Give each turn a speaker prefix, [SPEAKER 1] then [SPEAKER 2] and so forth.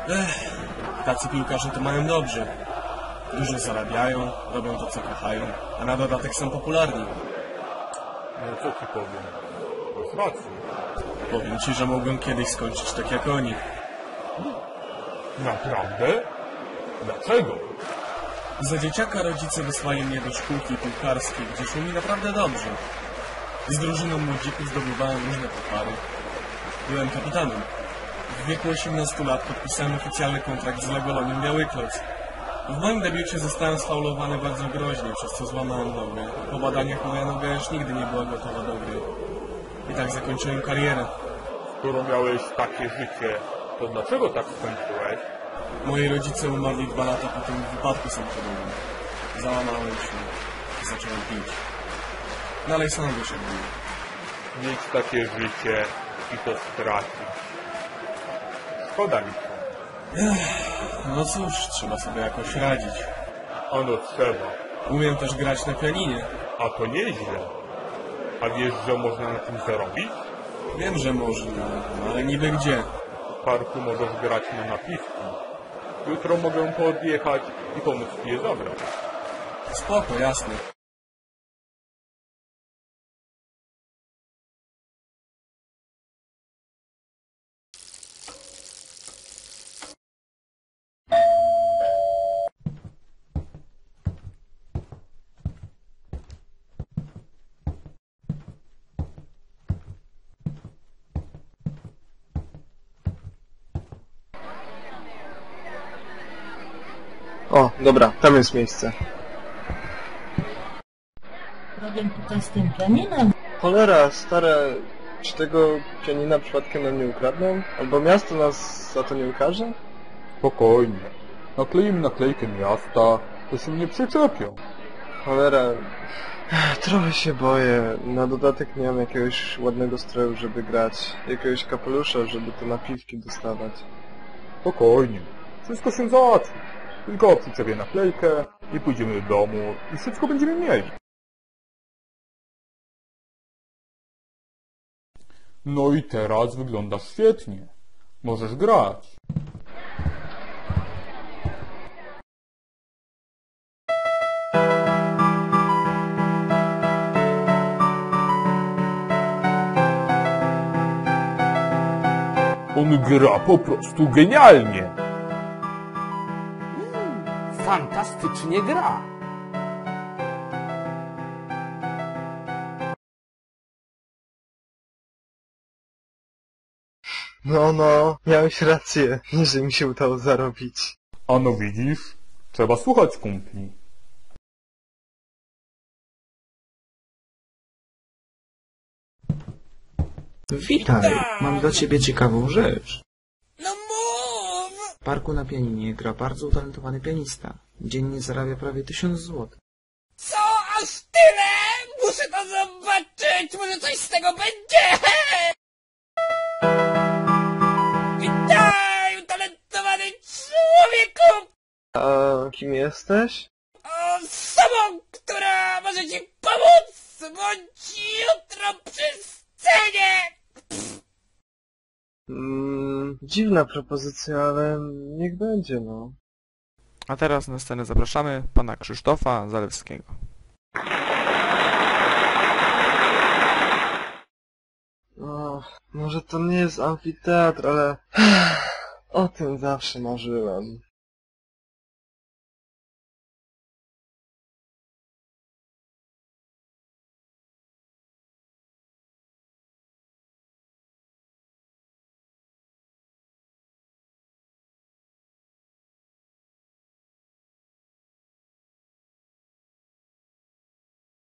[SPEAKER 1] Tacy piłkarze to mają dobrze. Dużo zarabiają, robią to co kochają, a na dodatek są popularni.
[SPEAKER 2] No co ci powiem? Masz rację.
[SPEAKER 1] Powiem ci, że mogłem kiedyś skończyć tak jak oni.
[SPEAKER 2] Naprawdę? Dlaczego?
[SPEAKER 1] Za dzieciaka rodzice wysłali mnie do szkółki piłkarskiej, gdzie szło mi naprawdę dobrze. Z drużyną młodzików zdobywałem różne puchary. Byłem kapitanem. W wieku 18 lat podpisałem oficjalny kontrakt z Legolonią Białykloc. W moim debiucie zostałem sfaulowany bardzo groźnie, przez co złamałem nogę. Po badaniach moja noga już nigdy nie była gotowa do gry. I tak zakończyłem karierę.
[SPEAKER 2] Skoro miałeś takie życie, to dlaczego tak skończyłeś?
[SPEAKER 1] Moi rodzice umarli 2 lata po tym wypadku samochodowym. Załamałem się i zacząłem pić. Dalej sam wyszedłem.
[SPEAKER 2] Mieć takie życie i to stracić. Szkoda mi się.
[SPEAKER 1] No cóż, trzeba sobie jakoś radzić.
[SPEAKER 2] Ano trzeba.
[SPEAKER 1] Umiem też grać na pianinie.
[SPEAKER 2] A to nieźle. A wiesz, że można na tym zarobić?
[SPEAKER 1] Wiem, że można, ale niby gdzie?
[SPEAKER 2] W parku możesz grać na napiwki. Jutro mogę podjechać i pomóc ci je zabrać.
[SPEAKER 1] Spoko, jasne.
[SPEAKER 3] O, dobra, tam jest miejsce.
[SPEAKER 4] Problem tutaj z tym pianinem.
[SPEAKER 3] Cholera, stare, czy tego pianina przypadkiem nam nie ukradną? Albo miasto nas za to nie ukaże?
[SPEAKER 2] Spokojnie. Nakleimy naklejkę miasta, to się nie przyczepią.
[SPEAKER 3] Cholera, trochę się boję. Na dodatek nie mam jakiegoś ładnego stroju, żeby grać. Jakiegoś kapelusza, żeby te napiwki dostawać.
[SPEAKER 2] Spokojnie. Wszystko się załatwi. Tylko przyczepię naklejkę i pójdziemy do domu i wszystko będziemy mieli. No i teraz wyglądasz świetnie. Możesz grać. On gra po prostu genialnie.
[SPEAKER 5] Fantastycznie gra.
[SPEAKER 3] No, miałeś rację, że mi się udało zarobić.
[SPEAKER 2] Ano widzisz, trzeba słuchać kumpli.
[SPEAKER 6] Witaj, mam dla ciebie ciekawą rzecz.
[SPEAKER 5] No mów!
[SPEAKER 6] W parku na pianinie gra bardzo utalentowany pianista. Dziennie zarabia prawie 1000 złotych.
[SPEAKER 5] Co? Aż tyle? Muszę to zobaczyć! Może coś z tego będzie! Witaj, utalentowany człowieku!
[SPEAKER 3] A kim jesteś?
[SPEAKER 5] Osobą, która może ci pomóc! Bądź jutro przy scenie!
[SPEAKER 3] Dziwna propozycja, ale niech będzie, no.
[SPEAKER 7] A teraz na scenę zapraszamy pana Krzysztofa Zalewskiego.
[SPEAKER 3] Może to nie jest amfiteatr, ale o tym zawsze marzyłem.